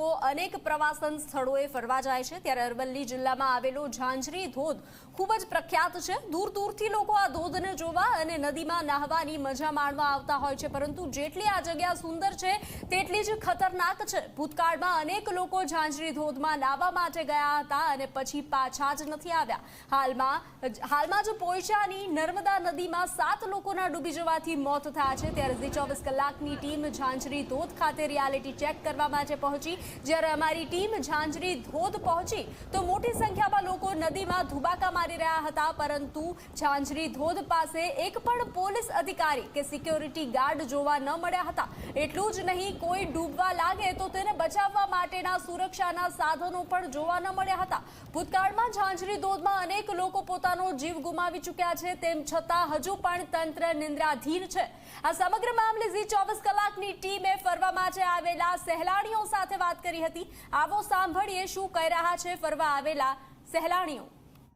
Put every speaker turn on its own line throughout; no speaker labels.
લોકો અનેક પ્રવાસન સ્થળોએ ફરવા જાય છે, ત્યારે અરવલ્લી જિલ્લામાં આવેલો ઝાંઝરી ધોધ ખૂબ જ પ્રખ્યાત છે। દૂર દૂરથી લોકો આ ધોધને જોવા અને નદીમાં નહાવાની મજા માણવા આવતા હોય છે, પરંતુ જેટલી આ જગ્યા સુંદર છે તેટલી જ ખતરનાક છે। ભૂતકાળમાં અનેક લોકો ઝાંઝરી ધોધમાં નાહવા માટે ગયા હતા અને પછી પાછા જ નથી આવ્યા। હાલમાં જ પોઈચાની નર્મદા નદીમાં 7 લોકોના ડૂબી જવાથી મોત થયા છે, ત્યારે ઝી 24 કલાકની ટીમ ઝાંઝરી ધોધ ખાતે રિયાલિટી ચેક કરવા માટે પહોંચી। જ્યારે અમારી ટીમ ઝાંઝરી ધોધ પહોંચી તો મોટી સંખ્યામાં લોકો નદીમાં ધુબાકા મારી રહ્યા હતા, પરંતુ ઝાંઝરી ધોધ પાસે એક પણ પોલીસ અધિકારી કે સિક્યોરિટી ગાર્ડ જોવા ન મળ્યા હતા। એટલું જ નહીં, કોઈ ડૂબવા લાગે તો તેને બચાવવા માટેના સુરક્ષાના સાધનો પણ જોવા ન મળ્યા હતા। ભૂતકાળમાં ઝાંઝરી ધોધમાં અનેક લોકો પોતાનો જીવ ગુમાવી ચૂક્યા છે, તેમ છતાં હજુ પણ તંત્ર નિંદ્રાધીન છે। આ સમગ્ર મામલે ઝી 24 કલાકની ટીમે ફરવા માટે આવેલા સહેલાણીઓ સાથે વાત કરી હતી। આવો સાંભળીએ શું કહી રહ્યા છે ફરવા આવેલા સહેલાણીઓ।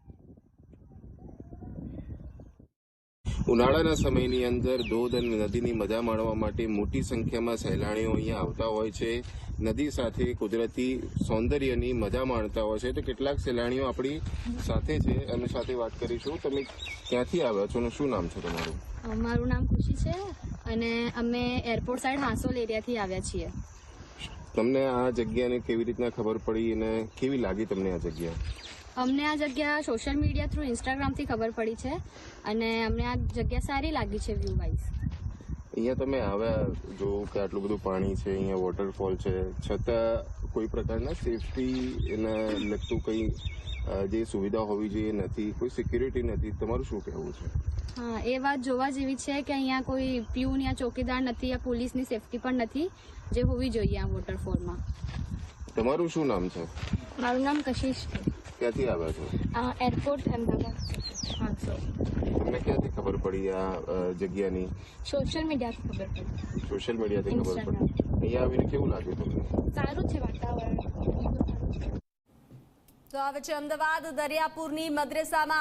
ઉનાળાના સમયની અંદર ધોધ અને નદીની મજા માણવા માટે મોટી સંખ્યામાં સહેલાણીઓ અહીંયા આવતા હોય છે, નદી સાથે કુદરતી સૌંદર્યની મજા માણતા હોય છે। તો કેટલાક સહેલાણીઓ આપણી સાથે છે, એમની સાથે વાત કરીશું। તમે ક્યાંથી આવ્યા છો અને શું નામ છે તમારું?
મારું નામ ખુશી છે અને અમે એરપોર્ટ સાઈડ હાંસોલ એરિયાથી આવ્યા છીએ।
તમને આ જગ્યાને કેવી રીતના ખબર પડી અને કેવી લાગી તમને આ જગ્યા?
અમને આ જગ્યા સોશિયલ મીડિયા થ્રુ ઇન્સ્ટાગ્રામથી ખબર પડી છે અને અમને આ જગ્યા સારી લાગી છે વ્યૂ વાઇઝ।
અહીંયા તમે આવ્યા જો કે આટલું બધું પાણી છે, અહીંયા વોટરફોલ છે, છતાં કોઈ પ્રકારના સેફટીને લગતું કંઈ જે સુવિધા હોવી જોઈએ નથી, કોઈ સિક્યુરિટી નથી, તમારું શું કહેવું છે?
હા, એ વાત જોવા જેવી છે કે અહીંયા કોઈ પ્યુન યા ચોકીદાર નથી યા પોલીસની સેફટી પણ નથી, જે હોવી જોઈએ આ વોટરફોલમાં।
તમારું શું નામ છે?
મારું નામ કશિશ છે।
ક્યાંથી આવ્યા છો?
એરપોર્ટ અમદાવાદ હાંસોલ।
તમને ક્યાંથી ખબર પડી આ જગ્યાની?
સોશિયલ મીડિયાથી ખબર પડી।
સોશિયલ મીડિયાથી ખબર પડી। અહીંયા આવીને કેવું લાગ્યું તમને?
સારું છે વાતાવરણ।
તો હવે છે અમદાવાદ દરિયાપુરની મદ્રેસામાં